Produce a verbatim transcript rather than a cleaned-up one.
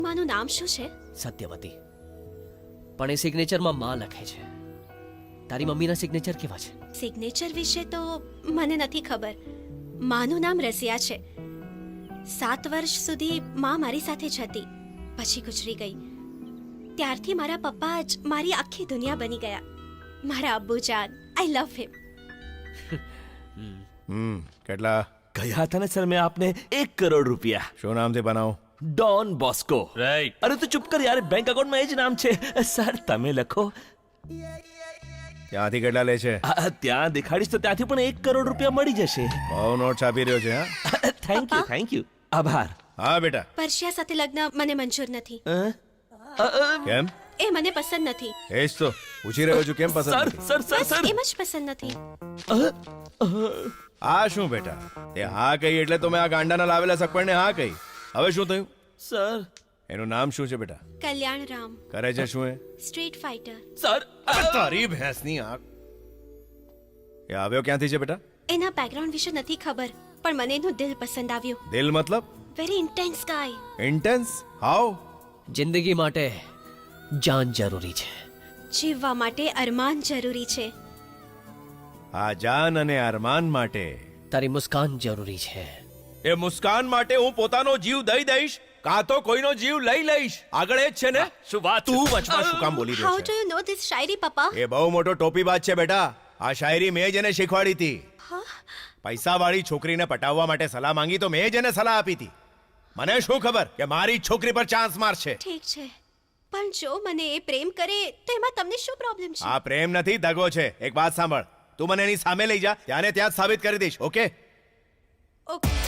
માનું નામ શું છે? સત્યવતી. પણ એ સિગ્નેચરમાં માં લખે છે. તારી મમ્મીના સિગ્નેચર કેવા છે? સિગ્નેચર વિશે તો મને નથી ખબર. માનું નામ રસિયા છે. સાત વર્ષ સુધી માં મારી સાથે જ હતી, પછી ગુજરી ગઈ. ત્યારથી મારા પપ્પા જ મારી આખી દુનિયા બની ગયા. મારા અબ્બુજાન, આઈ લવ હિમ. હમ કેટલા ગયા હતા ને સર મેં આપને એક કરોડ રૂપિયા. શું નામથી બનાવું? Don Bosco. રાઈટ. અરે તું ચૂપ કર યાર, બેંક એકાઉન્ટમાં એ જ નામ છે. સર તમે લખો. ત્યાંથી કેટલા લે છે? આ, ત્યાં દેખાડીશ તો ત્યાંથી પણ એક કરોડ રૂપિયા મળી જશે. બહુ નોટ છાપી રહ્યો છે હા. થેન્ક યુ થેન્ક યુ આભાર. હા બેટા. પરશિયા સાથે લગ્ન મને મંજૂર નથી. અ? અ, અ, કેમ? એ મને પસંદ નથી. એ જ તો પૂછી રહ્યો છું, કેમ પસંદ સર નથી? સર સર બસ સર એમ જ પસંદ નથી. આ શું બેટા, તે હા કહી એટલે તો મેં આ ગાંડાના લાવેલા સગપણને હા કહી. હવે શું થયું? સર એનું નામ શું છે બેટા? કલ્યાણ રામ, કરે છે શું એ? Street fighter. સર અરે તારી ભેંસની આંખ. એ આવ્યો ક્યાંથી છે બેટા? એના બેકગ્રાઉન્ડ વિશે નથી ખબર, પણ મને એનું દિલ પસંદ આવ્યું. દિલ મતલબ? Very intense guy. Intense? How? જિંદગી માટે જાન જરૂરી છે. જીવવા માટે અરમાન જરૂરી છે. આ જાન અને અરમાન માટે, તારી મુસ્કાન જરૂરી છે. એ મુસ્કાન માટે હું પોતાનો જીવ દઈ દઈશ, કાં તો કોઈનો જીવ લઈ લઈશ. આગળ એ જ છે ને? શું વાત છે? તું વચમાં શું કામ બોલી રહ્યો હાઉ છે? ડુ યુ નો ધીસ શાયરી પપ્પા? એ બહુ મોટો ટોપીબાજ છે બેટા. આ શાયરી મેં જ એને શીખવાડી હતી. પૈસાવાળી છોકરીને પટાવવા માટે સલાહ માંગી તો મેં જ એને સલાહ આપી હતી. મને શું ખબર કે મારી જ છોકરી પર ચાન્સ મારશે. ઠીક છે, પણ જો મને એ પ્રેમ કરે તો એમાં તમને શું પ્રોબ્લેમ છે? આ પ્રેમ નથી, દગો છે. એક વાત સાંભળ, તું મને એની સામે લઈ જા, ત્યાંને ત્યાં જ સાબિત કરી દઈશ. ઓકે? ઓકે.